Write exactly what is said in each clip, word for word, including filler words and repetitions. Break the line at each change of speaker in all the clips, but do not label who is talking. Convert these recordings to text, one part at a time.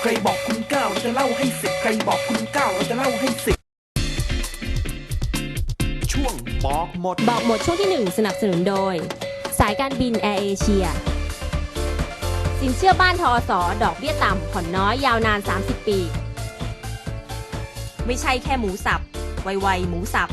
ใครบอกคุณเก้าเราจะเล่าให้สิบใครบอกคุณเก้าเราจะเล่าให้สิบช่วงบอกหมด
บอกหมดช่วงที่หนึ่งสนับสนุนโดยสายการบินแอร์เอเชียสินเชื่อบ้านทอสอดอกเบี้ยต่ำผ่อนน้อยยาวนานสามสิบปีไม่ใช่แค่หมูสับไวๆหมูสับ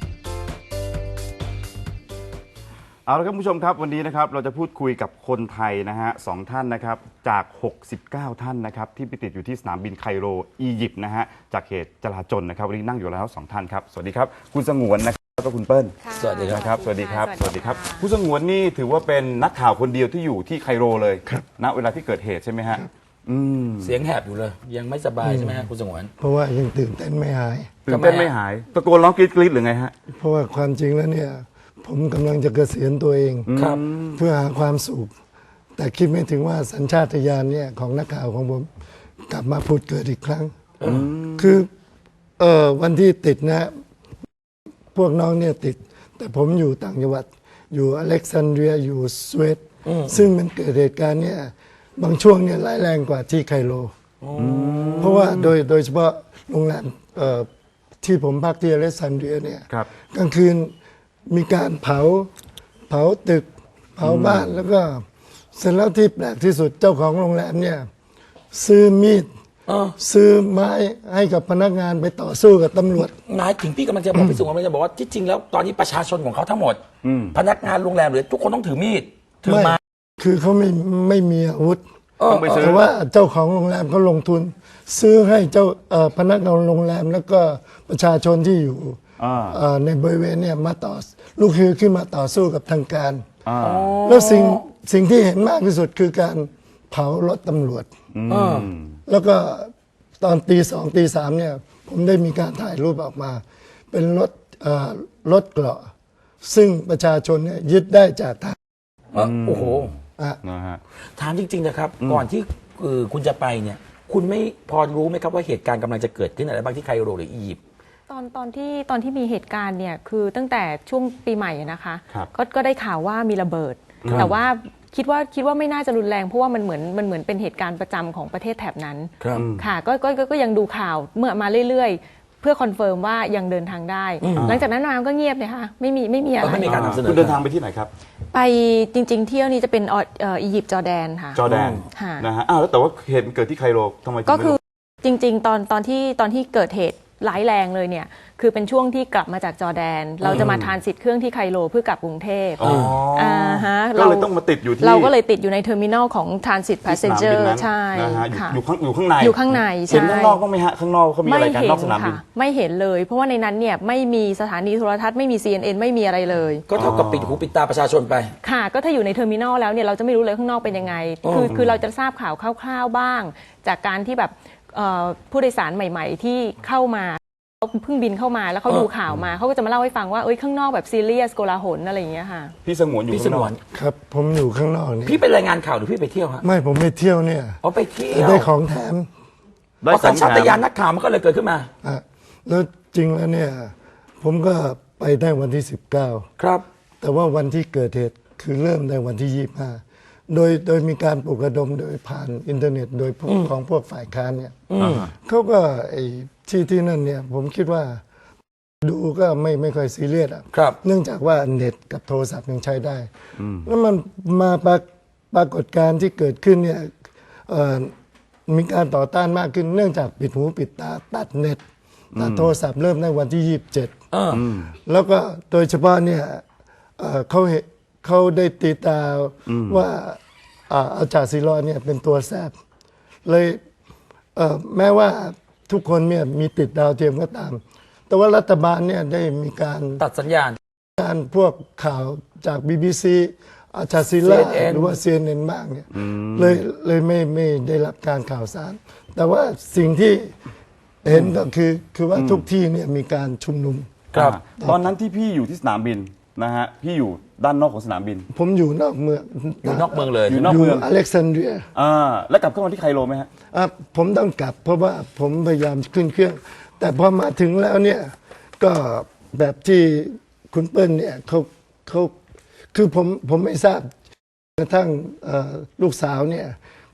เอาละครับผู้ชมครับวันนี้นะครับเราจะพูดคุยกับคนไทยนะฮะสองท่านนะครับจากหกสิบเก้าท่านนะครับที่ไปติดอยู่ที่สนามบินไคโรอียิปต์นะฮะจากเหตุจลาจลนะครับวันนี้นั่งอยู่แล้วสองท่านครับสวัสดีครับคุณสงวนนะครับแล้วก็คุณเปิ้ล
สวัสดี
ครับสวัสดีครับสวัสดีครับคุณสงวนนี่ถือว่าเป็นนักข่าวคนเดียวที่อยู่ที่ไคโรเลยณเวลาที่เกิดเหตุใช่ไหมฮะ
เสียงแหบอยู่เลยยังไม่สบายใช่ไหมฮะคุณสงวน
เพราะว่ายังตื่นเต้นไม่หาย
ตื่นเต้นไม่หายตะโกนร้องกรี๊ดกรี๊ดหรือไงฮะ
เพราะว่าความจริงแล้วเนี่ยผมกำลังจะเกษียณตัวเอง
ครับ
เพื่อหาความสุขแต่คิดไม่ถึงว่าสัญชาตญาณเนี่ยของนักข่าวของผมกลับมาพูดเกิดอีกครั้งคือเออวันที่ติดนะพวกน้องเนี่ยติดแต่ผมอยู่ต่างจังหวัดอยู่อเล็กซานเดรียอยู่สวีเดนซึ่งมันเกิดเหตุการณ์เนี่ยบางช่วงเนี่ยร้ายแรงกว่าที่ไคโรเพราะว่าโดยโดยเฉพาะโรงแรมที่ผมพักที่อเล็กซานเดรียเนี่ยกลางคืนมีการเผาเผาตึกเผาบ้านแล้วก็เสร็จแล้วที่แปลกที่สุดเจ้าของโรงแรมเนี่ยซื้อมีดซื้อไม้ให้กับพนักงานไปต่อสู้กับตำรวจ
หมายถึงพี่กำลังจะบอกพี่สงวนกำลังจะบอกว่าที่จริงแล้วตอนนี้ประชาชนของเขาทั้งหมดพนักงานโรงแรมหรือทุกคนต้องถือมีดถือไม้
คือเขาไม่ไม่มีอาวุธ
ต้องไปซื้อ
แต่ว่าเจ้าของโรงแรมเขาลงทุนซื้อให้เจ้าพนักงานโรงแรมแล้วก็ประชาชนที่อยู่ในบริเวณเนี่ยมาต่อลูกคือขึ้นมาต่อสู้กับทางการแล้วสิ่งสิ่งที่เห็นมากที่สุดคือการเผารถตำรวจแล้วก็ตอนตีสองตีสามเนี่ยผมได้มีการถ่ายรูปออกมาเป็นรถรถเกราะซึ่งประชาชนเนี่ยยึดได้จากทาง
โอ้โหถามจริงๆนะครับก่อนที่คุณจะไปเนี่ยคุณไม่พอรู้ไหมครับว่าเหตุการณ์กำลังจะเกิดขึ้นอะไรบ้างที่ไคโรหรืออียิปต์
ตอนตอนที่ตอนที่มีเหตุการณ์เนี่ยคือตั้งแต่ช่วงปีใหม่นะคะก็ก็ได้ข่าวว่ามีระเบิดแต่ว่าคิดว่าคิดว่าไม่น่าจะรุนแรงเพราะว่ามันเหมือนมันเหมือนเป็นเหตุการณ์ประจำของประเทศแถบนั้นค่ะก็ก็ก็ยังดูข่าวเมื่อมาเรื่อยๆเพื่อคอนเฟิร์มว่ายังเดินทางได้หลังจากนั้นมาก็เงียบเลยค่ะไม่มีไม่มีอะไร
ไม่มีการนำเสนอ
คุณเดินทางไปที่ไหนครับ
ไปจริงๆเที่ยวนี้จะเป็นอียิปต์จอร์แดนค่ะ
จอร์แดนนะฮะอ้าวแล้วแต่ว่าเหตุเกิดที่ไคโรทำไม
ก็คือจริงๆตอนตอนที่ตอนที่เกิดเหตุร้ายแรงเลยเนี่ยคือเป็นช่วงที่กลับมาจากจอร์แดนเราจะมาทานสิทธิ์เครื่องที่ไคโรเพื่อกลับกรุงเทพ
อ่าฮะก็เลยต้องมาติดอยู่ที่
เราก็เลยติดอยู่ในเทอร์มินอลของทรานสิตพาสเซนเจอร์ใช่
ค่ะอยู่ข้างอยู่ข้างใน
อยู่ข้างใน
เห็นข้างนอกบ้างไหมฮะข้างนอกเขามีอะไรกันนอกสนามบิน
ไม่เห็นเลยเพราะว่าในนั้นเนี่ยไม่มีสถานีโทรทัศน์ไม่มี ซี เอ็น เอ็น ไม่มีอะไรเลย
ก็เท่ากับปิดหูปิดตาประชาชนไป
ค่ะก็ถ้าอยู่ในเทอร์มินอลแล้วเนี่ยเราจะไม่รู้เลยข้างนอกเป็นยังไงคือคือเราจะทราบข่าวคร่าวๆบ้างจากการที่แบบผู้โดยสารใหม่ๆที่เข้ามาเขาเพิ่งบินเข้ามาแล้วเขาดูข่าวมาเขาก็จะมาเล่าให้ฟังว่าเอ้ยข้างนอกแบบซีเรียสโกลาหลอะไรอย่างเงี้ยค่ะ
พี่สงวนอยู่
พี่สงวน
ครับผมอยู่ข้างนอกนี่
พี่ไปรายงานข่าวหรือพี่ไปเที่ยวฮะ
ไม่ผมไปเที่ยวเนี่ย
อ๋อไปเที่ยว
ได้ของแถม
เพราะสัญชาตญาณนักข่าวมันก็เลยเกิดขึ้นมา
อ่ะแล้วจริงแล้วเนี่ยผมก็ไปได้วันที่สิบเก้า
ครับ
แต่ว่าวันที่เกิดเหตุคือเริ่มในวันที่ยี่สิบห้าโดยโดยมีการปลุกระดมโดยผ่านอินเทอร์เน็ตโดยพวกของพวกฝ่ายค้านเนี่ยเขาก็ไอ้ที่ที่นั่นเนี่ยผมคิดว่าดูก็ไม่ไม่ค่อยซีเรียสอ่ะเนื่องจากว่าเน็ตกับโทรศัพท์ยังใช้ได้แล้วมันมาปรปรากฏการณ์ที่เกิดขึ้นเนี่ยมีการต่อต้านมากขึ้นเนื่องจากปิดหูปิดตาตัดเน็ตตัดโทรศัพท์เริ่มในวันที่ยี่สิบเจ็ดแล้วก็โดยเฉพาะเนี่ยเขาเขาได้ตีตาว่าอาจารย์ศิลาเนี่ยเป็นตัวแทรกเลยแม้ว่าทุกคนเนี่ยมีติดดาวเทียมก็ตามแต่ว่ารัฐบาลเนี่ยได้มีการ
ตัดสัญญาณ
การพวกข่าวจาก บี บี ซี อาจารย์ศิลาหรือว่า ซี เอ็น เอ็น บ้างเนี่ยเลยเลยไม่ไม่ได้รับการข่าวสารแต่ว่าสิ่งที่เห็นก็คือคือว่าทุกที่เนี่ยมีการชุมนุม
ครับตอนนั้นที่พี่อยู่ที่สนามบินนะฮะพี่อยู่ด้านนอกของสนามบิน
ผมอยู่นอกเมือง
อยู่นอกเมืองเลย
อยู่นอกเมือง
อเล็กซานเดรีย
อ่าแล้วกลับเข้ามาที่ไคโรไหมฮะ
อ่าผมต้องกลับเพราะว่าผมพยายามขึ้นเครื่องแต่พอมาถึงแล้วเนี่ยก็แบบที่คุณเปิ้ลเนี่ยเขาเขาคือผมผมไม่ทราบกระทั่งลูกสาวเนี่ย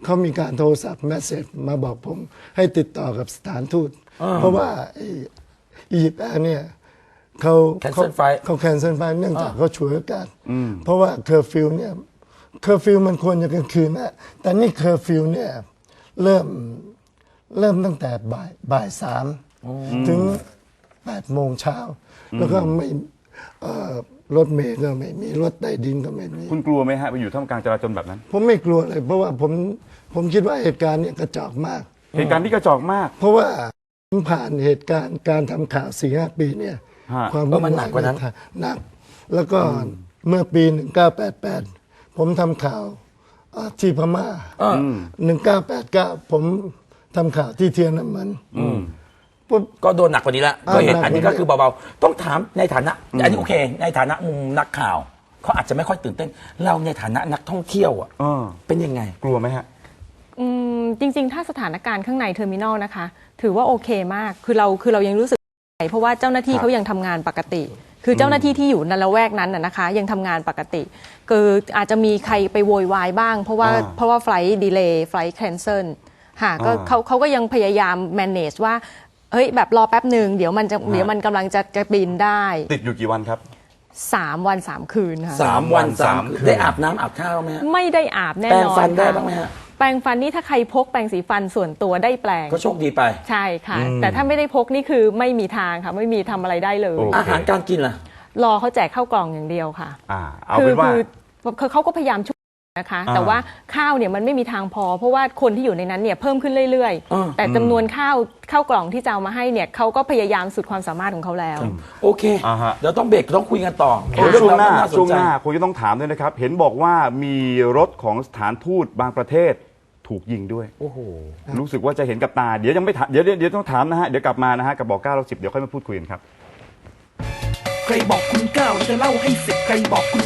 เขามีการโทรศัพท์แมสเซจมาบอกผมให้ติดต่อกับสถานทูต เพราะว่าไอ้อียิปต์แอร์เนี่ยเขา
Cancel flight
เขาแคนเซิลไฟเนื่องจากเขาฉวยโอกาสเพราะว่าเคอร์ฟิวเนี่ยเคอร์ฟิวมันควรจะกลางคืนนะแต่นี่เคอร์ฟิวเนี่ยเริ่มเริ่มตั้งแต่บ่ายบ่ายสามถึงแปดโมงเช้าแล้วก็ไม่เอ่อรถเมล์ก็ไม่มีรถใต้ดินก็ไม่มี
คุณกลัวไหมฮะไปอยู่ท่ามกลางจราจรแบบนั้น
ผมไม่กลัวเลย เพราะว่าผมผมคิดว่าเหตุการณ์เนี่ยกระจอกมาก
เหตุการณ์ที่กระจอกมาก
เพราะว่าผมผ่านเหตุการณ์การทำข่าวสี่ห้าปีเนี่ย
ฮะ
ความ
เออมันหนักกว่านั้น
หนัก แล้วก็เมื่อปีหนึ่งเก้าแปดแปดผมทำข่าวอ่าที่พม่าหนึ่งเก้าแปดเก้าผมทำข่าวที่เทียนน้ำมันผม
ก็โดนหนักกว่านี้ละ
อ่า
ก็เห็น
หนัก
อันนี้
กว่า
ก็
นี้
คือเบาๆต้องถามในฐานะอันนี้โอเค ในฐานะมุมนักข่าวเขาอาจจะไม่ค่อยตื่นเต้น เราในฐานะนักท่องเที่ยวอ่ะ
เออ
เป็นยังไง
กลัวไหมฮะ
อืมจริงๆ ถ้าสถานการณ์ข้างในเทอร์มินอลนะคะ ถือว่าโอเคมาก คือเราคือเรายังรู้สึกเพราะว่าเจ้าหน้าที่
ครับ
เขายังทำงานปกติ คือเจ้าหน้าที่ที่อยู่ในละแวกนั้นน่ะนะคะ ยังทำงานปกติ คืออาจจะมีใครไปโวยวายบ้าง เพราะว่า
อ่า
เพราะว่าไฟล์ดีเลย์ไฟล์แคนเซิลค่ะก็
อ่า
เขาเขาก็ยังพยายาม manage ว่าเฮ้ยแบบรอแป๊บหนึ่งเดี๋ยวมันจะเดี๋ยวมันกำลังจะจะบินได้
ติดอยู่กี่วันครับ
สามวันสามคืนค่ะ
สามวันสาม
สามคื
คืน
น
ได้อาบน้ำอาบข้าวไหมฮะ
ไม่ได้อาบแน่
แปรง
นอน
ฟันได้
ค่ะ
บ้างไหมฮะ
แปรงฟันนี่ถ้าใครพกแปรงสีฟันส่วนตัวได้แปรง
ก็โชคดีไป
ใช่ค่ะ แต่ถ้าไม่ได้พกนี่คือไม่มีทางค่ะ ไม่มีทำอะไรได้เลย
โอ้
อาหารการกินล่ะ
รอเขาแจกข้าวกล่องอย่างเดียวค่ะ
อ่า เอา
คื
เป็นว่า
คือคือเขาก็พยายามช่วยนะคะ
อ่า
แต่ว่าข้าวเนี่ยมันไม่มีทางพอ เพราะว่าคนที่อยู่ในนั้นเนี่ยเพิ่มขึ้นเรื่อย
อ่า
ๆ แต่จำนวนข้าวข้าวกล่องที่จะเอามาให้เนี่ยเขาก็พยายามสุดความสามารถของเขาแล้ว
โอเค
อ่าฮะ
เดี๋ยวต้องเบรกต้องคุยกันต่อ
เดี๋ยวช่วงหน้า
เรื่องรว
ช่วง
ส
ห
ใจ
น้าคงจะต้องถามด้วยนะครับ เห็นบอกว่ามีรถของสถานทูตบางประเทศถูกยิงด้วย
โอ้โห
รู้สึกว่าจะเห็นกับตา เดี๋ยวยังไม่ถามเดี๋ยวเดี๋ยวเดี๋ยวต้องถามนะฮะ เดี๋ยวกลับมานะฮะ กับบอกเก้าเราสิบเดี๋ยวค่อยมาพูดคุยกันครับ
ใครบอกคุณเก้าเราจะเล่าให้สิบใครบอกคุณ